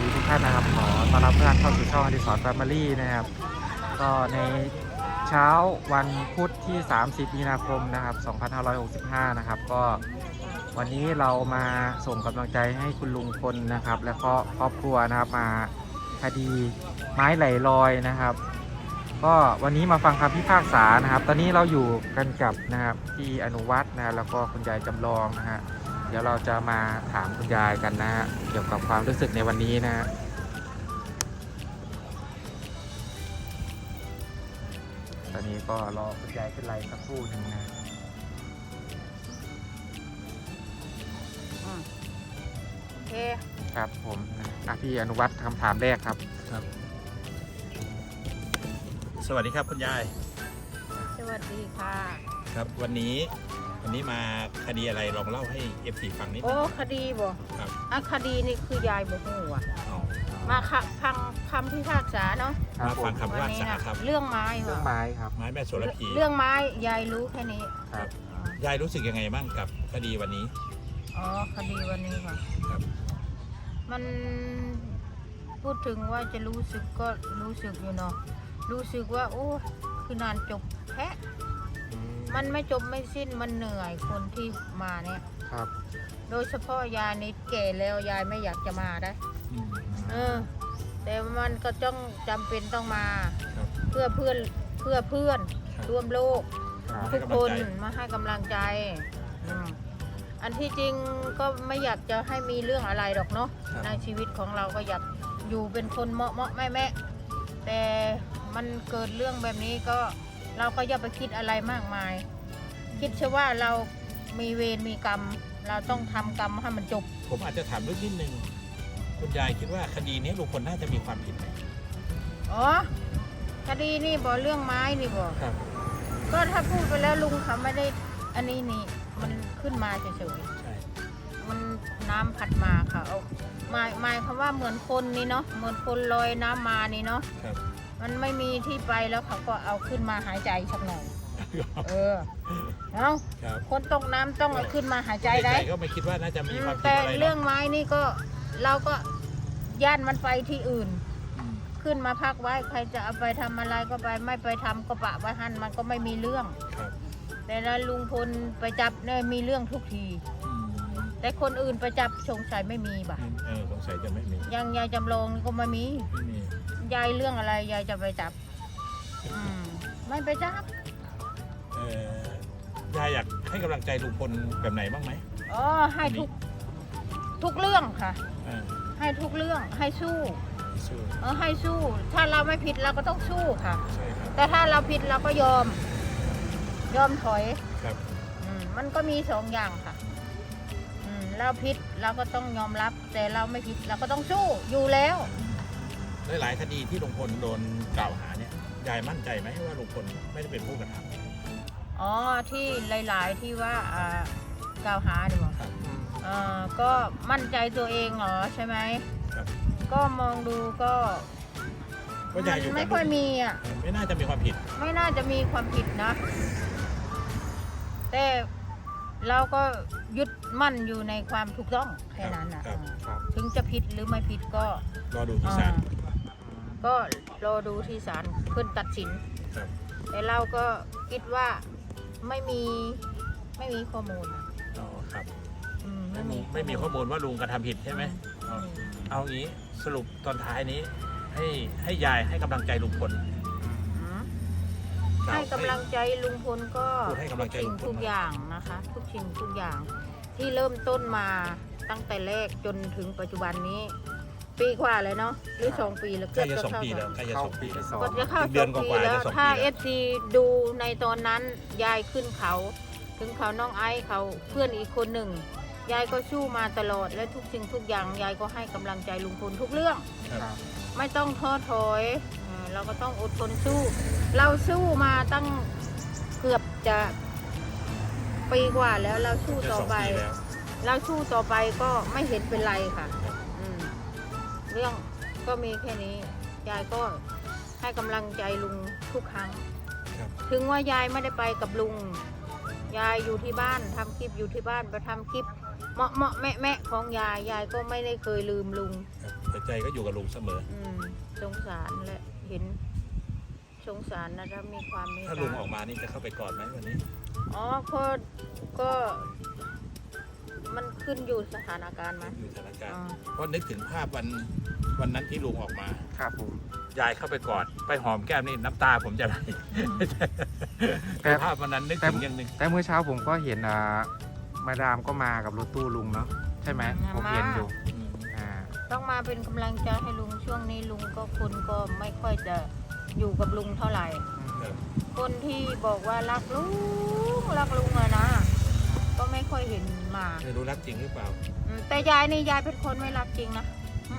ดีทุกท่านนะครับขอต้อนรับทุกท่านเข้าสู่ช่องอดิศรแฟมิลี่นะครับก็ในเช้าวันพุธที่30มีนาคมนะครับ2565นะครับก็วันนี้เรามาส่งกำลังใจให้คุณลุงพลนะครับและก็ครอบครัวนะครับมาคดีไม้ไหลลอยนะครับก็วันนี้มาฟังคำพิพากษานะครับ ตอนนี้เราอยู่กันกับนะครับพี่อนุวัฒน์นะแล้วก็คุณยายจำลองนะฮะเดี๋ยวเราจะมาถามคุณยายกันนะฮะเกี่ยวกับความรู้สึกในวันนี้นะฮะตอนนี้ก็รอคุณยายเป็นไรสักครู่หนึ่งนะโอเคครับผมพี่อนุวัฒน์คำถามแรกครับครับสวัสดีครับคุณยายสวัสดีค่ะครับวันนี้มาคดีอะไรลองเล่าให้ FC ฟังนิดนึโอ้งคดีบ่ครับคดีนี่คือยายบ่ฮู้อ่ะอ๋อมาฟังคำพิพากษาเนาะมาฟังคำพิพากษาครับเรื่องไม้เรื่องไม้ครับไม้แม่โสระพีเรื่องไม้ยายรู้แค่นี้ครับยายรู้สึกยังไงบ้างกับคดีวันนี้อ๋อคดีวันนี้ค่ะครับมันพูดถึงว่าจะรู้สึกก็รู้สึกอยู่เนาะรู้สึกว่าโอ้คือนานจบแท้มันไม่จบไม่สิ้นมันเหนื่อยคนที่มาเนี่ยครับโดยเฉพาะยายนี่แก่แล้วยายไม่อยากจะมาได้แต่มันก็ต้องจำเป็นต้องมาเพื่อเพื่อนร่วมโลกทุกคนมาให้กำลังใจอันที่จริงก็ไม่อยากจะให้มีเรื่องอะไรหรอกเนาะในชีวิตของเราก็อยากอยู่เป็นคนเหมาะแม่แต่มันเกิดเรื่องแบบนี้ก็เราก็อย่าไปคิดอะไรมากมายคิดเชื่อว่าเรามีเวรมีกรรมเราต้องทำกรรมให้มันจบผมอาจจะถามเรื่องนิดนึงคุณยายคิดว่าคดีนี้ลุงพลน่าจะมีความผิดไหมอ๋อคดีนี่บ่เรื่องไม้นี่บ่ครับก็ถ้าพูดไปแล้วลุงเขาไม่ได้อันนี้นี่มันขึ้นมาเฉยๆใช่มันน้ำพัดมาค่ะเอาหมายคำว่าเหมือนคนนี่เนาะเหมือนคนลอยน้ำมานี่เนาะมันไม่มีที่ไปแล้วเขาก็เอาขึ้นมาหายใจสักหน่อยเอาคนตกน้ำต้องเอาขึ้นมาหายใจได้ก็ไม่คิดว่าน่าจะมีความผิดแต่อะไรเรื่องไม้นี่ก็เราก็ย่านมันไปที่อื่นขึ้นมาพักไว้ใครจะเอาไปทำอะไรก็ไปไม่ไปทำก็ปะไว้หั่นมันก็ไม่มีเรื่องแต่ละลุงพลไปจับเนี่ยมีเรื่องทุกทีแต่คนอื่นไปจับสงสัยไม่มีบ่ะสงสัยจะไม่มียังยายจำลองก็ไม่มียายเรื่องอะไรยายจะไปจับไม่ไปจับยายอยากให้กำลังใจลุงพลแบบไหนบ้างไหมอ๋อให้ทุกเรื่องค่ะให้ทุกเรื่องให้สู้ให้สู้ถ้าเราไม่ผิดเราก็ต้องสู้ค่ะแต่ถ้าเราผิดเราก็ยอมถอยมันก็มี2 อย่างค่ะเราผิดเราก็ต้องยอมรับแต่เราไม่ผิดเราก็ต้องสู้อยู่แล้วหลายคดีที่ลุงพลโดนกล่าวหาเนี่ยยายมั่นใจไหมว่าลุงพลไม่ได้เป็นผู้กระทำอ๋อที่หลายๆที่ว่ากล่าวหาดีกว่าก็มั่นใจตัวเองเหรอใช่ไหมก็มองดูก็ไม่ค่อยมีไม่น่าจะมีความผิดไม่น่าจะมีความผิดนะแต่เราก็ยึดมั่นอยู่ในความถูกต้องแค่นั้นนะถึงจะผิดหรือไม่ผิดก็รอดูที่ศาลก็รอดูที่ศาลเพื่อตัดสินแต่เราก็คิดว่าไม่มีข้อมูลอ๋อครับไม่มีข้อมูลว่าลุงกระทำผิดใช่ไหมเอางี้สรุปตอนท้ายนี้ให้ยายให้กำลังใจลุงพลให้กำลังใจลุงพลก็ทุกสิ่งทุกอย่างนะคะทุกสิ่งทุกอย่างที่เริ่มต้นมาตั้งแต่แรกจนถึงปัจจุบันนี้ปีกว่าเลยเนาะหรือ2 ปีแล้วก็จะ2 ปีแล้วก็จะ2 ปีก็จะเข้า2 ปีแล้วถ้า FC ดูในตอนนั้นยายขึ้นเขาถึงเขาน้องไอซ์เขาเพื่อนอีกคนหนึ่งยายก็สู้มาตลอดและทุกสิ่งทุกอย่างยายก็ให้กำลังใจลุงพลทุกเรื่องไม่ต้องท้อถอยเราก็ต้องอดทนสู้เราสู้มาตั้งเกือบจะปีกว่าแล้วเราสู้ต่อไปก็ไม่เห็นเป็นไรค่ะเรื่องก็มีแค่นี้ยายก็ให้กำลังใจลุงทุกครั้งถึงว่ายายไม่ได้ไปกับลุงยายอยู่ที่บ้านทำคลิปอยู่ที่บ้านไปทำคลิปเหมาะเหมาะแม่แม่ของยายยายก็ไม่ได้เคยลืมลุงแต่ใจก็อยู่กับลุงเสมอสงสารและเห็นสงสารนะถ้ามีความเมตตาถ้าลุงออกมานี่จะเข้าไปกอดไหมวันนี้อ๋อก็มันขึ้นอยู่สถานการณ์มั้ยอยู่สถานการณ์อ๋อเพราะนึกถึงภาพวันนั้นที่ลุงออกมาครับผมยายเข้าไปกอดไปหอมแก้มนี่น้ำตาผมจะไหลแต่ภาพวันนั้นนึกถึงอย่างหนึ่งแต่เมื่อเช้าผมก็เห็นมาดามก็มากับรถตู้ลุงเนาะใช่ไหมผมเห็นอยู่อ่าต้องมาเป็นกำลังใจให้ลุงช่วงนี้ลุงก็คนก็ไม่ค่อยจะอยู่กับลุงเท่าไหร่ คนที่บอกว่ารักลุงอะนะก็ไม่ค่อยเห็นมาไม่รู้รักจริงหรือเปล่าแต่ยายนี่ยายเป็นคนไม่รักจริงนะ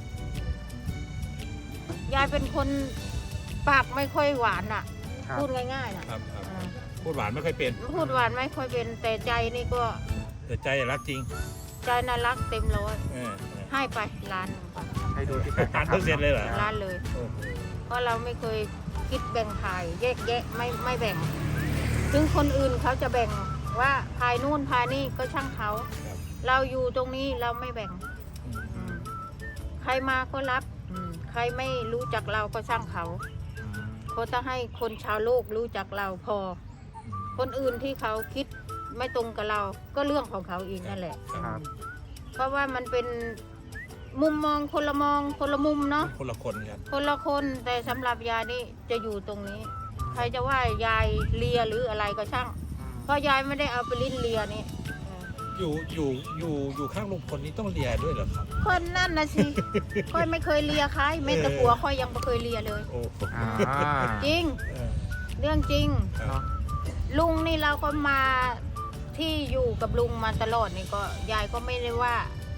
ยายเป็นคนปากไม่ค่อยหวานอ่ะครับพูดง่ายๆนะครับพูดหวานไม่ค่อยเป็นพูดหวานไม่ค่อยเป็นแต่ใจนี่ก็แต่ใจรักจริงใจน่ารักเต็มร้อยเออให้ไปล้านหนึ่งไปให้ดูที่การกระทำ 1,000%เลยเหรอล้านเลยโอ้โหเพราะเราไม่เคยคิดแบ่งพายแยกแยะไม่แบ่ง ถึงคนอื่นเขาจะแบ่งว่าพายนู่นพายนี่ก็ช่างเขาครับเราอยู่ตรงนี้เราไม่แบ่ง อืมใครมาก็รับใครไม่รู้จักเราก็ช่างเขาเขาจะให้คนชาวโลกรู้จักเราพอ คนอื่นที่เขาคิดไม่ตรงกับเราก็เรื่องของเขาเองนั่นแหละครับเพราะว่ามันเป็นมุมมองคนละมุมเนาะคนละคนครับคนละคนแต่สำหรับยายนี่จะอยู่ตรงนี้ ใครจะว่ายายเลียหรืออะไรก็ช่าง เพราะยายไม่ได้เอาไปลิ้นเลียนี่อยู่ข้างลุงพลนี่ต้องเลียด้วยเหรอครับคนนั่นนะสิ ค่อยไม่เคยเลียใครไม่แต่ผัวค่อยยังไม่เคยเลียเลยโอ้โหอ่าจริงเออเรื่องจริงครับเนาะลุงนี่เราก็มาที่อยู่กับลุงมาตลอดนี่ก็ยายก็ไม่ได้ว่า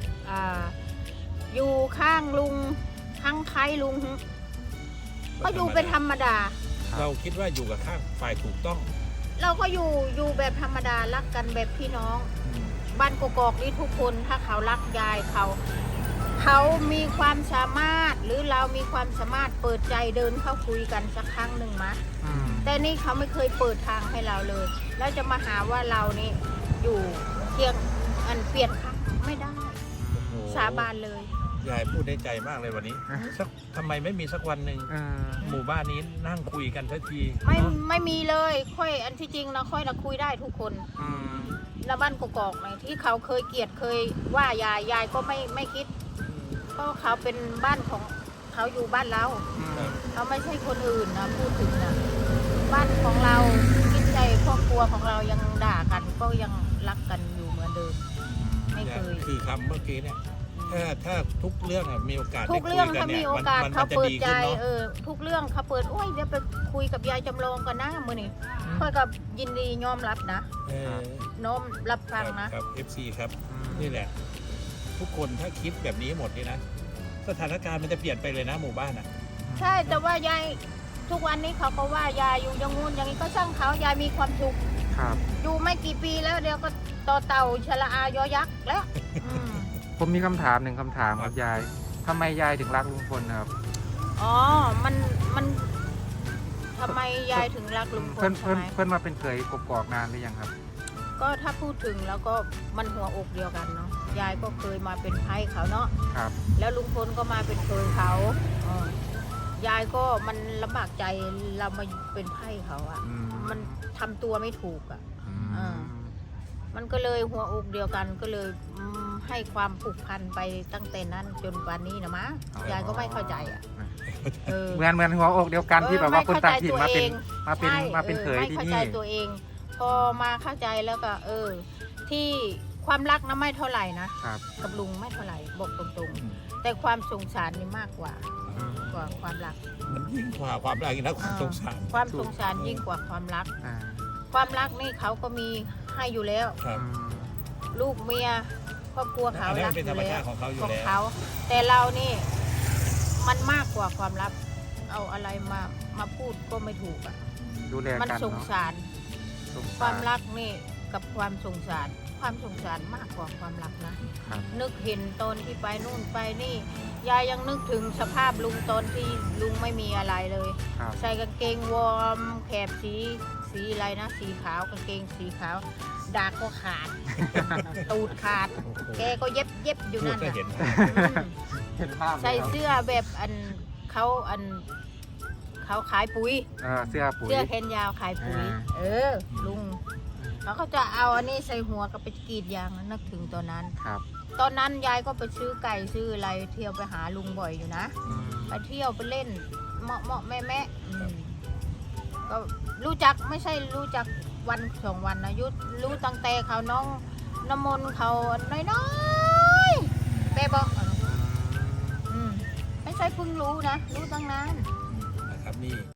อยู่ข้างลุงทั้งใครลุงก็อยู่เป็นธรรมดาเราคิดว่าอยู่กับข้างฝ่ายถูกต้องเราก็อยู่แบบธรรมดารักกันแบบพี่น้อง บ้านกอกๆนี่ทุกคนถ้าเขารักยายเขามีความสามารถหรือเรามีความสามารถเปิดใจเดินเข้าคุยกันสักครั้งหนึ่งมะอืมแต่นี่เขาไม่เคยเปิดทางให้เราเลย แล้วจะมาหาว่าเรานี่อยู่เพียงเปลี่ยนครั้งไม่ได้โอ้โหสาบานเลยยายพูดได้ใจมากเลยวันนี้สักทำไมไม่มีสักวันหนึ่งเออหมู่บ้านนี้นั่งคุยกันสักทีไม่มีเลยค่อยอันที่จริงนะค่อยนะคุยได้ทุกคนอืมแล้วบ้านกอกๆไหนที่เขาเคยเกลียดเคยว่ายายก็ไม่คิดเพราะเขาเป็นบ้านของเขาอยู่บ้านเราอืมเขาไม่ใช่คนอื่นนะพูดถึงนะบ้านของเราคิดใจครอบครัวของเรายังด่ากันก็ยังรักกันอยู่เหมือนเดิม ไม่เคยคือคำเมื่อกี้เนี่ยถ้าทุกเรื่องอะมีโอกาสทุกเรื่องได้ถ้าคุยมีนี่ยโอกาสมันเขาจะเปิดดีใจขึ้นเนาะทุกเรื่องเขาเปิดโอ้ยเดี๋ยวไปคุยกับยายจำลองกันนะมือนี่ค่อยกับยินดียอมรับนะเออน้อมรับฟังนะครับ FC ครับ นี่แหละ ทุกคนถ้าคิดแบบนี้หมดนี่นะ สถานการณ์มันจะเปลี่ยนไปเลยนะหมู่บ้านอ่ะใช่แต่ว่ายายทุกวันนี้เขาก็ว่ายายอยู่อยังงู้นอย่างนี้ก็ช่างเขายายมีความสุขครับอยู่ไม่กี่ปีแล้วเดี๋ยวก็ต่อเต่าชะละอายอยักษ์แล้วอืมผมมีคำถามหนึ่งคำถามครับยายทำไมยายถึงรักลุงพลนะครับอ๋อมันทำไมยายถึงรักลุงพลเพื่อนใช่เพื่อนไหมเพื่อนมาเป็นเคยกกอกนานหรือยังครับก็ถ้าพูดถึงแล้วก็มันหัวอกเดียวกันเนาะยายก็เคยมาเป็นไพ่เขาเนาะครับแล้วลุงพลก็มาเป็นเคยเขายายก็มันลำบากใจเรามาเป็นไพ่เขาอะอืมมันทำตัวไม่ถูกอะอืมอ่า มันก็เลยหัวอกเดียวกันก็เลยให้ความผูกพันไปตั้งแต่นั้นจนวันนี้นะมะยายก็ไม่เข้าใจอะเออเหมือนหัวอกเดียวกันที่แบบว่าคนต่างถิ่นมาเป็นใช่มาเป็นเคยไม่ที่เข้านี่ใจตัวเอง พอมาเข้าใจแล้วก็ ที่ความรักนะไม่เท่าไหร่นะครับ กับลุงไม่เท่าไหร่บอกตรงๆ แต่ความสงสารนี่มากกว่าอืมความรักมันยิ่งกว่าความรักอีกนะความสงสารความสงสารยิ่งกว่าความรักอ่าความรักนี่เขาก็มีให้อยู่แล้วครับอืมลูกเมียครอบครัวเขาอันนี้รัมักนเป็นอธรรมยู่แล้ชาว ติของเขาอยู่ของแล้วเขาแต่เรานี่มันมากกว่าความรักเอาอะไรมาพูดก็ไม่ถูกอ่ะดูแลมันกันสงเนาะสารสงสความรักนี่กับความสงสารมากกว่าความรักนะครับ นึกเห็นตอนที่ไปนู่นไปนี่ยายยังนึกถึงสภาพลุงตอนที่ลุงไม่มีอะไรเลยครับใส่กางเกงวอร์มแขบสีอะไรนะสีขาวกางเกงสีขาวดากก็ขาด ตูดขาด แกก็เย็บอยู่พูดนั่นก็น่ะเห็นเห็นภาพใส่เสื้อแบบเขาขายปุ๋ยเสื้อปุ๋ยเสื้อแขนยาวขายปุ๋ย ลุงเขาก็จะเอาอันนี้ใส่หัวก็ไปกรีดยางนึกถึงตอนนั้นครับตอนนั้นยายก็ไปซื้อไก่ซื้ออะไรเที่ยวไปหาลุงบ่อยอยู่นะอืมไปเที่ยวไปเล่นเหมาะแม่ก็รู้จักไม่ใช่รู้จักวันสองวันนะยุรู้ตั้งแต่เขาน้องน้ำมนต์เขาน้อยๆแต่บอกไม่ใช่เพิ่งรู้นะรู้ตั้งนานนะครับนี่